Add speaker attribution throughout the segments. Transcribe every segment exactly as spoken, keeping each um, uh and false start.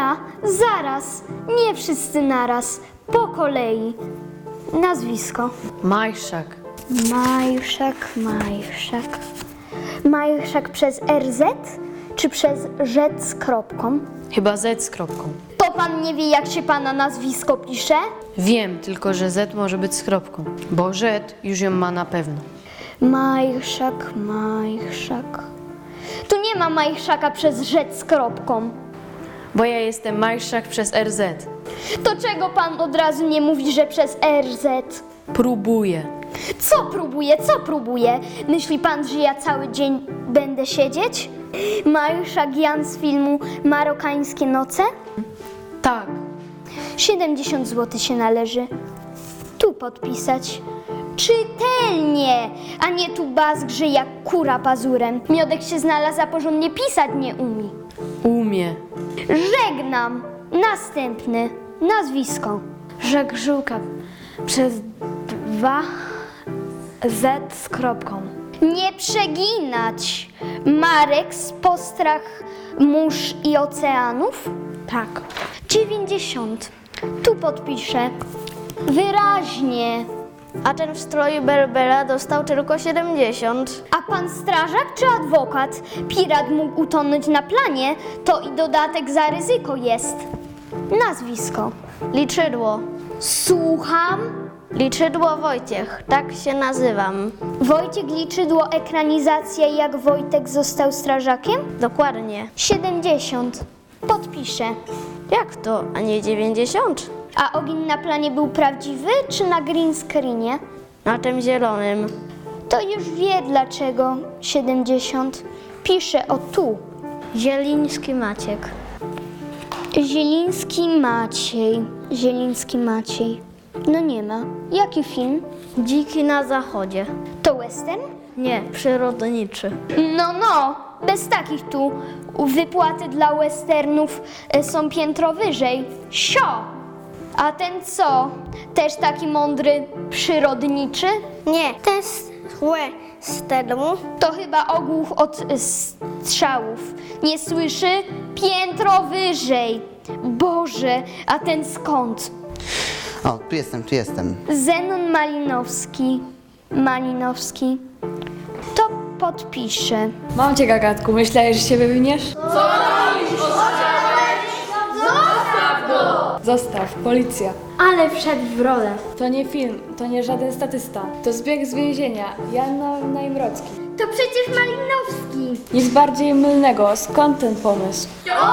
Speaker 1: Chwila, zaraz, nie wszyscy naraz, po kolei. Nazwisko.
Speaker 2: Majszak.
Speaker 1: Majszak, Majszak. Majszak przez R Z czy przez Rzec z kropką?
Speaker 2: Chyba Z z kropką.
Speaker 1: To pan nie wie, jak się pana nazwisko pisze?
Speaker 2: Wiem, tylko że Z może być z kropką, bo Z już ją ma na pewno.
Speaker 1: Majszak, Majszak. Tu nie ma Majszaka przez Rzec z kropką.
Speaker 2: Bo ja jestem Majszak przez R Z.
Speaker 1: To czego pan od razu nie mówi, że przez R Z?
Speaker 2: Próbuję.
Speaker 1: Co próbuje, co próbuje? Myśli pan, że ja cały dzień będę siedzieć? Majszak Jan z filmu Marokańskie noce?
Speaker 2: Tak.
Speaker 1: siedemdziesiąt złotych się należy. Tu podpisać. Czytelnie, a nie tu bazgrze jak kura pazurem. Miodek się znalazł, a porządnie pisać nie umie.
Speaker 2: Umie.
Speaker 1: Żegnam. Następny. Nazwisko.
Speaker 3: Żegrzółka przez dwa Z z kropką.
Speaker 1: Nie przeginać. Marek z postrach mórz i oceanów?
Speaker 3: Tak.
Speaker 1: dziewięćdziesiąt. Tu podpiszę. Wyraźnie.
Speaker 4: A ten w stroju Berbera dostał tylko siedemdziesiąt.
Speaker 1: A pan strażak czy adwokat? Pirat mógł utonąć na planie, to i dodatek za ryzyko jest. Nazwisko.
Speaker 4: Liczydło.
Speaker 1: Słucham.
Speaker 4: Liczydło Wojciech, tak się nazywam.
Speaker 1: Wojciech Liczydło, ekranizacja jak Wojtek został strażakiem?
Speaker 4: Dokładnie.
Speaker 1: siedemdziesiąt. Podpiszę.
Speaker 4: Jak to, a nie dziewięćdziesiąt?
Speaker 1: A ogień na planie był prawdziwy czy na green screenie?
Speaker 4: Na tym zielonym.
Speaker 1: To już wie dlaczego siedemdziesiąt. Piszę o tu.
Speaker 4: Zieliński Maciek.
Speaker 1: Zieliński Maciej. Zieliński Maciej. No nie ma. Jaki film?
Speaker 4: Dziki na zachodzie.
Speaker 1: To western?
Speaker 4: Nie, przyrodniczy.
Speaker 1: No, no. Bez takich tu. Wypłaty dla westernów e, są piętro wyżej. Sio! A ten co? Też taki mądry, przyrodniczy?
Speaker 4: Nie, ten z westernu.
Speaker 1: To chyba ogłuch od e, strzałów. Nie słyszy? Piętro wyżej. Boże, a ten skąd?
Speaker 5: O, tu jestem, tu jestem.
Speaker 1: Zenon Malinowski. Malinowski. To podpiszę.
Speaker 3: Mam cię, gagatku, myślałeś, że się wywiniesz? Zostaw, policja.
Speaker 1: Ale wszedł w rolę.
Speaker 3: To nie film, to nie żaden statysta. To zbieg z więzienia, Jan Najmrocki.
Speaker 1: To przecież Malinowski.
Speaker 3: Nic bardziej mylnego, skąd ten pomysł?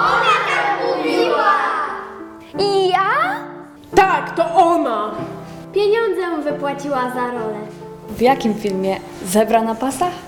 Speaker 1: I ja?
Speaker 6: Tak, to ona!
Speaker 1: Pieniądze mu wypłaciła za rolę.
Speaker 3: W jakim filmie? Zebra na pasach?